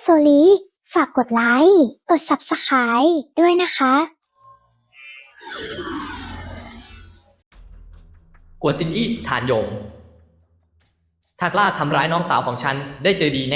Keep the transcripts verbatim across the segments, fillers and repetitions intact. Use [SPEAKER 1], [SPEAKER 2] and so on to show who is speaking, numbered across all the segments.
[SPEAKER 1] ลีฝากกดไลค์ กด ซับสไครบ์ ด้วยนะคะ
[SPEAKER 2] กัวซินอี้ฐานหยงถ้ากล้าทำร้ายน้องสาวของฉันได้เจอดีแน่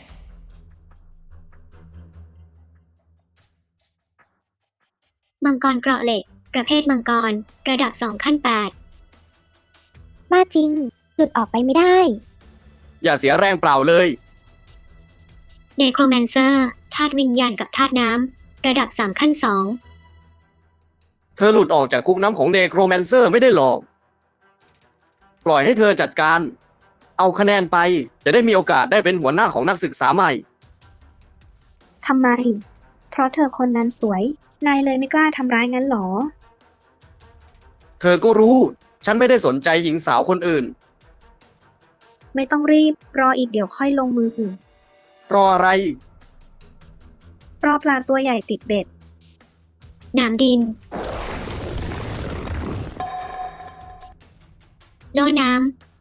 [SPEAKER 3] มังกรเกราะเหล็ก ประเภทมังกร ระดับสองขั้นแปด
[SPEAKER 1] บ้าจริง หลุดออกไปไม่ได้
[SPEAKER 4] อย่าเสียแรงเปล่าเลย
[SPEAKER 3] เนโครแมนเซอร์ ธาตุวิญญาณกับธาตุน้ำ ระดับสามขั้นสอง
[SPEAKER 4] เธอหลุดออกจากคุกน้ำของเนโครแมนเซอร์ไม่ได้หรอก ปล่อยให้เธอจัดการ เอาคะแนนไป จะได้มีโอกาสได้เป็นหัวหน้าของนักศึกษาใหม่
[SPEAKER 5] ทำไม เพราะเธอคนนั้นสวย นายเลยไม่กล้าทำร้ายงั้นหรอ
[SPEAKER 4] เธอก็รู้ ฉันไม่ได้สนใจหญิงสาวคนอื่น
[SPEAKER 5] ไม่ต้องรีบ รออีกเดี๋ยวค่อยลงมือ
[SPEAKER 4] รออะไร
[SPEAKER 5] รอปลาตัวใหญ่ติดเบ็ด
[SPEAKER 3] หนามดิน โล่น้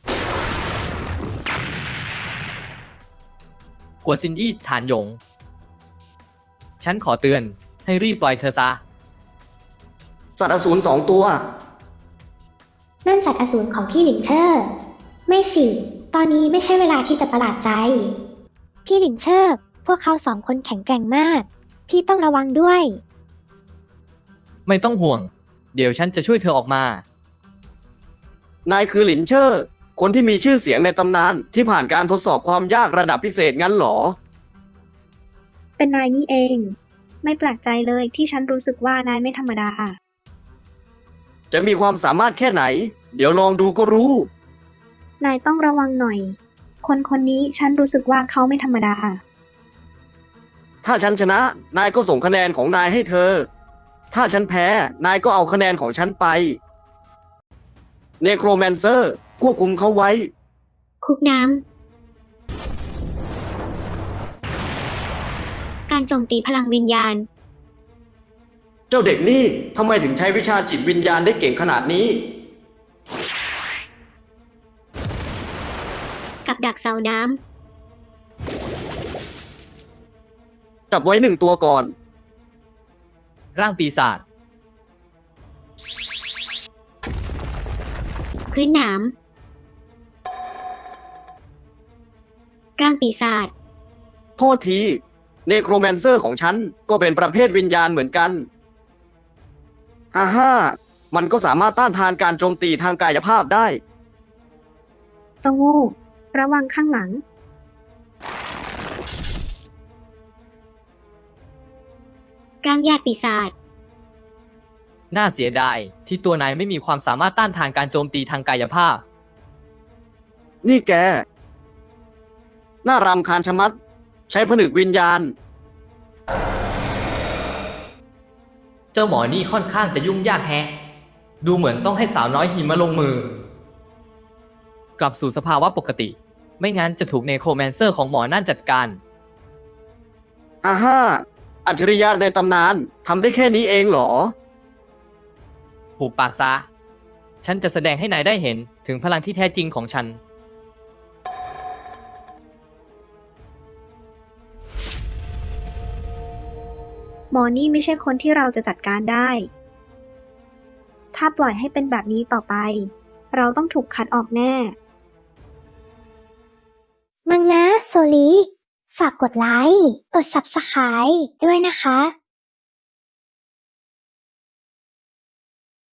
[SPEAKER 2] กัวซินอี้ฐานหยง ฉันขอเตือนให้รีบปล่อยเธอซะ
[SPEAKER 4] สัตว์อสูรสองตัว
[SPEAKER 1] นั่นสัตว์อสูรของพี่หลินเชอร์ ไม่สิ ตอนนี้ไม่ใช่เวลาที่จะประหลาดใจ พี่หลินเชอร์ พวกเขาสองคนแข็งแกร่งมาก พี่ต้องระวังด้วย
[SPEAKER 2] ไม่ต้องห่วง เดี๋ยวฉันจะช่วยเธอออกมา
[SPEAKER 4] นายคือหลินเชอร์ คนที่มีชื่อเสียงในตำนานที่ผ่านการทดสอบความยากระดับพิเศษงั้นหรอ
[SPEAKER 5] เป็นนายนี่เอง ไม่แปลกใจเลยที่ฉันรู้สึกว่านายไม่ธรรมดา
[SPEAKER 4] จะมีความสามารถแค่ไหน เดี๋ยวลองดูก็รู้
[SPEAKER 5] นายต้องระวังหน่อย คนคนนี้ฉันรู้สึกว่าเขาไม่ธรรมดา
[SPEAKER 4] ถ้าฉันชนะ นายก็ส่งคะแนนของนายให้เธอ ถ้าฉันแพ้ นายก็เอาคะแนนของฉันไป เนโครแมนเซอร์ควบคุมเขาไว้
[SPEAKER 3] ำ คุกน้ำ การโจมตีพลังวิญญาณ
[SPEAKER 4] เจ้าเด็กนี่ทำไมถึงใช้วิชาจิตวิญญาณได้เก่งขนาดนี้
[SPEAKER 3] กับดักเสาน้
[SPEAKER 4] จับไว้หนึ่งตัวก่อน
[SPEAKER 2] ร่างปีศาจ
[SPEAKER 3] ำ พื้นหนาม ร่างปีศาจ
[SPEAKER 4] โทษที เนโครแมนเซอร์ของฉันก็เป็นประเภทวิญญาณเหมือนกันฮ่าฮ่ามันก็สามารถต้านทานการโจมตีทางกายภาพได้
[SPEAKER 5] เจ้าโง่ ระวังข้างหลัง
[SPEAKER 3] ร่างญาติปีศาจ
[SPEAKER 2] น่าเสียดายที่ตัวนายไม่มีความสามารถต้านทานการโจมตีทางกายภาพ
[SPEAKER 4] นี่แก น่ารำคาญชะมัด ใช้ผนึกวิญญาณ
[SPEAKER 2] เจ้าหมอนี่ค่อนข้างจะยุ่งยากแฮะ ดูเหมือนต้องให้สาวน้อยหิมมาลงมือ กลับสู่สภาวะปกติ ไม่งั้นจะถูกเนโครแมนเซอร์ของหมอนั่นจัดการ
[SPEAKER 4] อ่าฮ่าอัจฉริยะในตำนานทำได้แค่นี้เองเหรอ
[SPEAKER 2] หูปากซะ ฉันจะแสดงให้นายได้เห็นถึงพลังที่แท้จริงของฉัน
[SPEAKER 5] หมอนี่ไม่ใช่คนที่เราจะจัดการได้ ถ้าปล่อยให้เป็นแบบนี้ต่อไป เราต้องถูกคัดออกแน่
[SPEAKER 1] มังนะโซลีฝากกดไลค์ กด ซับสไครบ์ ด้วยนะคะ